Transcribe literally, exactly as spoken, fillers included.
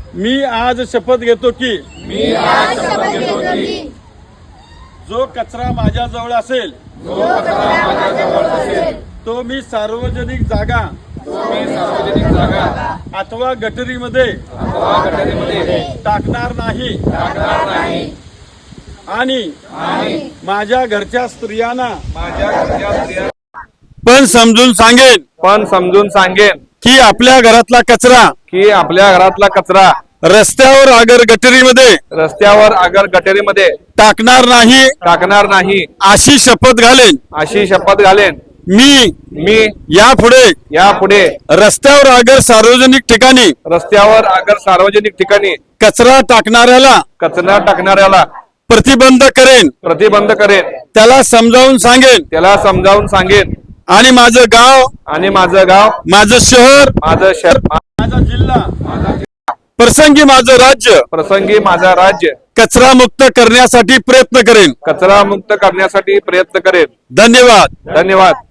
मी आज शपथ घेतो की मी आज शपथ घेतो की जो कचरा माझ्याजवळ असेल जो कचरा माझ्याजवळ असेल तो मी सार्वजनिक जागा तो मी सार्वजनिक जागा अथवा गटरीमध्ये अथवा गटारीमध्ये टाकणार नाही टाकणार नाही आणि आणि माझ्या घरच्या स्त्रियांना माझ्या घरच्या स्त्रिया पण समजून सांगेन पण समजून सांगेन की आपल्या घरातला कचरा की आपल्या घरातला कचरा रस्त्यावर अगर गटरीमध्ये रस्त्यावर अगर गटेरीमध्ये टाकणार नाही टाकणार नाही अशी शपथ घालेन। अशी शपथ घालेन। मी मी यापुढे यापुढे रस्त्यावर अगर सार्वजनिक ठिकाणी रस्त्यावर अगर सार्वजनिक ठिकाणी कचरा टाकणाऱ्याला कचरा टाकणाऱ्याला प्रतिबंध करेन, प्रतिबंध करेन, त्याला समजावून सांगेन त्याला समजावून सांगेन आणि माझं गाव, आणि माझं गाव, माझं शहर, माझं शहर, माझा जिल्हा, प्रसंगी माझं राज्य प्रसंगी माझा राज्य कचरा मुक्त करण्यासाठी प्रयत्न करेन। कचरा मुक्त करण्यासाठी प्रयत्न करेन। धन्यवाद। धन्यवाद।